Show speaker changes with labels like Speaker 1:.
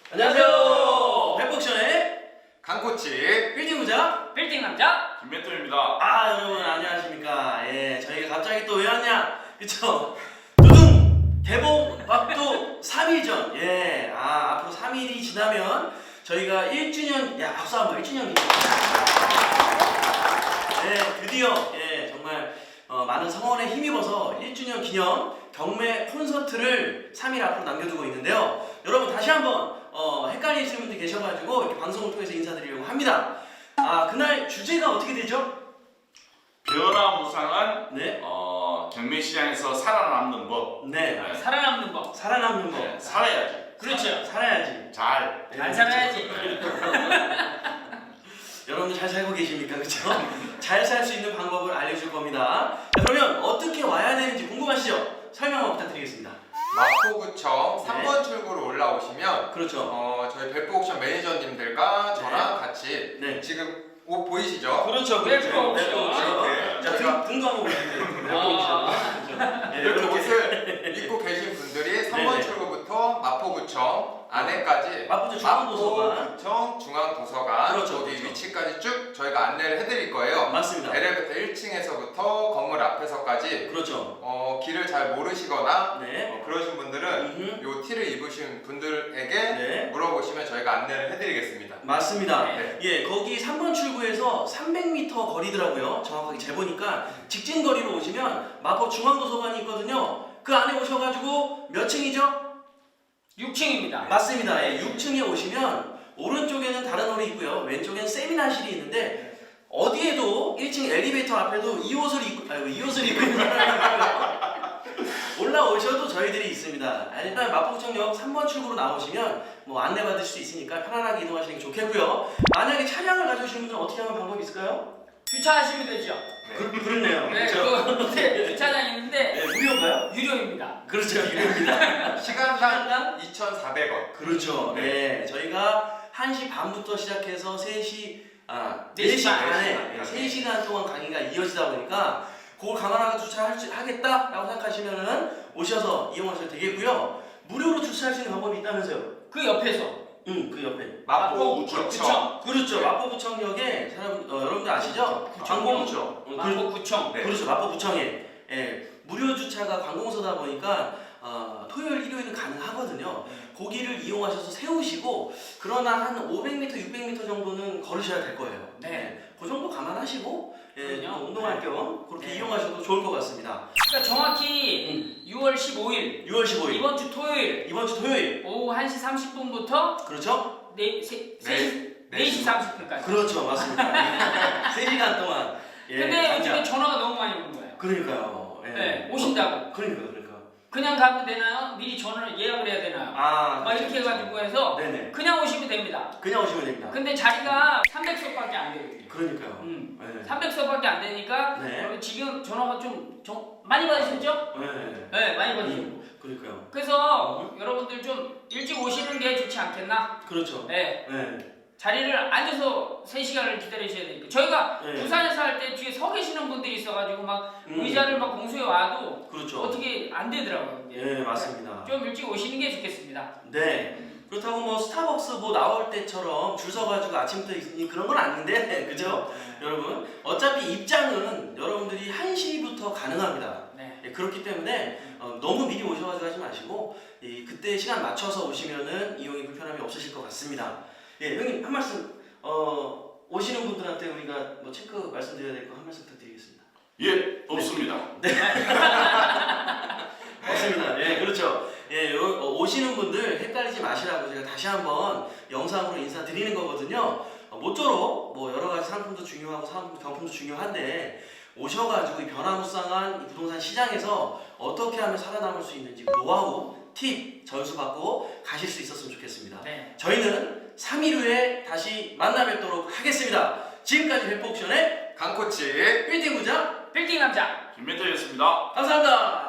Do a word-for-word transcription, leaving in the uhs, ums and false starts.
Speaker 1: 안녕하세요. 회복션의
Speaker 2: 강코치
Speaker 1: 빌딩 부자
Speaker 3: 빌딩 남자
Speaker 4: 김멘토입니다.
Speaker 1: 아 여러분 안녕하십니까. 예 저희가 갑자기 또 왜 왔냐 그쵸. 두둥 개봉 막도 삼 일 전. 예 아 앞으로 삼 일이 지나면 저희가 일 주년 야 박수 한번 일 주년 기념. 예 드디어 예 정말 어, 많은 성원에 힘입어서 일 주년 기념 경매 콘서트를 삼 일 앞으로 남겨두고 있는데요. 여러분 다시 한번 어, 헷갈리시는 분들 계셔가지고 이렇게 방송을 통해서 인사드리려고 합니다. 아 그날 주제가 어떻게 되죠?
Speaker 4: 변화무쌍한
Speaker 1: 네,
Speaker 4: 어, 경매 시장에서 살아남는 법.
Speaker 1: 네,
Speaker 4: 네.
Speaker 3: 살아남는 법.
Speaker 1: 살아남는 법.
Speaker 4: 네, 살아야지.
Speaker 3: 그렇죠.
Speaker 1: 살아야지.
Speaker 4: 잘.
Speaker 1: 네,
Speaker 3: 안
Speaker 1: 그렇죠.
Speaker 3: 살아야지.
Speaker 1: 여러분들 잘 살고 계십니까, 그렇죠? 잘 살 수 있는 방법을 알려줄 겁니다. 자, 그러면 어떻게 와야 되는지 궁금하시죠? 설명 한번 부탁드리겠습니다.
Speaker 2: 마포구청
Speaker 1: 네.
Speaker 2: 삼 번 출구로 올라오시면
Speaker 1: 그렇죠.
Speaker 2: 어, 저희 벨프옥션 매니저님들과 저랑 같이
Speaker 1: 네.
Speaker 2: 지금 옷 보이시죠?
Speaker 1: 그렇죠,
Speaker 3: 벨프
Speaker 1: 그렇죠.
Speaker 3: 옵션.
Speaker 1: 벨프 옵션.
Speaker 2: 네.
Speaker 1: 자, 등, 등도 한번 보여주세요. 벨프 옵션. 그렇죠. 네,
Speaker 2: 이렇게
Speaker 1: 이렇게.
Speaker 2: 옷을 입고 계신 분들이 삼 번
Speaker 1: 네네.
Speaker 2: 출구부터 마포구청 안에까지
Speaker 1: 마포구 중앙도서관.
Speaker 2: 마포구청 중앙도서관
Speaker 1: 그렇죠,
Speaker 2: 거기
Speaker 1: 그렇죠.
Speaker 2: 위치까지 쭉 저희가 안내를 해드릴 거예요.
Speaker 1: 맞습니다.
Speaker 2: 엘리베이터 일 층에서부터 건물 앞에서까지
Speaker 1: 그렇죠.
Speaker 2: 어, 길을 잘 모르시거나
Speaker 1: 네.
Speaker 2: 어, 그러신 분들은
Speaker 1: 음흠.
Speaker 2: 요 티를 입으신 분들에게
Speaker 1: 네.
Speaker 2: 물어보시면 저희가 안내를 해드리겠습니다.
Speaker 1: 맞습니다.
Speaker 2: 네.
Speaker 1: 예, 거기 삼 번 출구에서 삼백 미터 거리더라고요. 정확하게 재보니까 직진 거리로 오시면 마포 중앙도서관이 있거든요. 그 안에 오셔가지고 몇 층이죠?
Speaker 3: 육 층입니다.
Speaker 1: 맞습니다. 예, 육 층에 오시면 오른쪽에는 다른 홀이 있고요. 왼쪽에는 세미나실이 있는데 어디에도 일 층 엘리베이터 앞에도 이 옷을 입고 아이고 이 옷을 입고 있는 사람이 있고요. 올라오셔도 저희들이 있습니다. 아, 일단 마포구청역 삼 번 출구로 나오시면 뭐 안내 받을 수 있으니까 편안하게 이동하시는 게 좋겠고요. 만약에 차량을 가져오시는 분들은 어떻게 하면 방법이 있을까요?
Speaker 3: 주차하시면 되죠.
Speaker 1: 그, 그렇네요.
Speaker 3: 네,
Speaker 1: 그렇죠.
Speaker 3: 그 밑에 주차장 있는데
Speaker 1: 네, 무료인가요?
Speaker 3: 유료입니다.
Speaker 1: 그렇죠, 유료입니다.
Speaker 2: 시간당 이천사백 원.
Speaker 1: 그렇죠. 네, 저희가 한 시 반부터 시작해서 세 시, 아, 네 시 반에 세 시간 동안 강의가 이어지다 보니까 그걸 감안하고 주차하겠다라고 생각하시면은 오셔서 이용하셔도 되겠고요. 무료로 주차할 수 있는 방법이 있다면서요?
Speaker 3: 그 옆에서
Speaker 1: 응, 그 옆에.
Speaker 2: 마포구청.
Speaker 3: 구청.
Speaker 1: 그렇죠. 마포구청역에 사람, 어, 여러분들 아시죠? 관공서. 어, 그-
Speaker 3: 마포구청.
Speaker 2: 네.
Speaker 1: 그렇죠. 마포구청에. 예, 무료 주차가 관공서다 보니까 어, 토요일, 일요일은 가능하거든요. 거기를 이용하셔서 세우시고 그러나 한 오백 미터, 육백 미터 정도는 걸으셔야 될 거예요.
Speaker 3: 네.
Speaker 1: 그 정도 감안하시고 예,
Speaker 3: 그럼요.
Speaker 1: 또 운동할 겸 그렇게
Speaker 3: 네.
Speaker 1: 이용하셔도 좋을 것 같습니다.
Speaker 3: 그러니까 정확히 유월 십오일
Speaker 1: 유월 십오일
Speaker 3: 이번 주 토요일
Speaker 1: 이번 주 토요일
Speaker 3: 오후 한 시 삼십 분부터
Speaker 1: 그렇죠?
Speaker 3: 네 시
Speaker 2: 네 시
Speaker 3: 삼십 분까지.
Speaker 1: 그렇죠, 맞습니다. 세 시간 동안. 예,
Speaker 3: 근데
Speaker 1: 당장.
Speaker 3: 요즘에 전화가 너무 많이 오는 거예요.
Speaker 1: 그러니까요. 예.
Speaker 3: 네, 오신다고.
Speaker 1: 그러니까 그러니까.
Speaker 3: 그냥 가면 되나요? 미리 전화를 예약을 해야 되나요?
Speaker 1: 아,
Speaker 3: 막 이렇게 해가지고 해서
Speaker 1: 네네.
Speaker 3: 그냥 오시면 됩니다.
Speaker 1: 그냥 오시면 됩니다.
Speaker 3: 근데 자리가 삼백 석밖에 안 되거든요.
Speaker 1: 그러니까요.
Speaker 3: 음.
Speaker 1: 네.
Speaker 3: 삼백 석밖에 안 되니까
Speaker 1: 네.
Speaker 3: 여러분 지금 전화가 좀, 좀 많이 받으셨죠?
Speaker 1: 네.
Speaker 3: 네, 많이 받으셨고.
Speaker 1: 음, 그러니까요.
Speaker 3: 그래서 여러분들 좀 일찍 오시는 게 좋지 않겠나?
Speaker 1: 그렇죠.
Speaker 3: 네,
Speaker 1: 네.
Speaker 3: 자리를 앉아서 세 시간을 기다리셔야 되니까 저희가
Speaker 1: 네.
Speaker 3: 부산에서 할 때 뒤에 서 계시는 분들이 있어가지고 막
Speaker 1: 음,
Speaker 3: 의자를 막 공수해 와도
Speaker 1: 그렇죠.
Speaker 3: 어떻게 안 되더라고요.
Speaker 1: 예, 맞습니다.
Speaker 3: 좀 일찍 오시는 게 좋겠습니다.
Speaker 1: 네. 그렇다고 뭐 스타벅스 뭐 나올 때처럼 줄 서가지고 아침부터 있으니 그런 건 아닌데, 그죠? 여러분, 어차피 입장은 여러분들이 한 시부터 가능합니다.
Speaker 3: 네.
Speaker 1: 예, 그렇기 때문에 어, 너무 미리 오셔가지고 하지 마시고 이, 그때 시간 맞춰서 오시면은 이용이 불편함이 없으실 것 같습니다. 예, 형님 한 말씀 어, 오시는 분들한테 우리가 뭐 체크 말씀드려야 될 거 한 말씀 부탁드리겠습니다.
Speaker 4: 예, 없습니다.
Speaker 1: 맞습니다. 예, 그렇죠. 예, 요, 어, 오시는 분들 헷갈리지 마시라고 제가 다시 한번 영상으로 인사드리는 거거든요. 어, 모쪼록 뭐 여러 가지 상품도 중요하고 상품, 경품도 중요한데 오셔가지고 이 변화무쌍한 이 부동산 시장에서 어떻게 하면 살아남을 수 있는지 그 노하우, 팁 전수 받고 가실 수 있었으면 좋겠습니다.
Speaker 3: 네.
Speaker 1: 저희는 삼 일 후에 다시 만나 뵙도록 하겠습니다. 지금까지 회복션의
Speaker 2: 강코치
Speaker 1: 빌딩 부자
Speaker 3: 빌딩 남자.
Speaker 4: 김멘토였습니다.
Speaker 1: 감사합니다.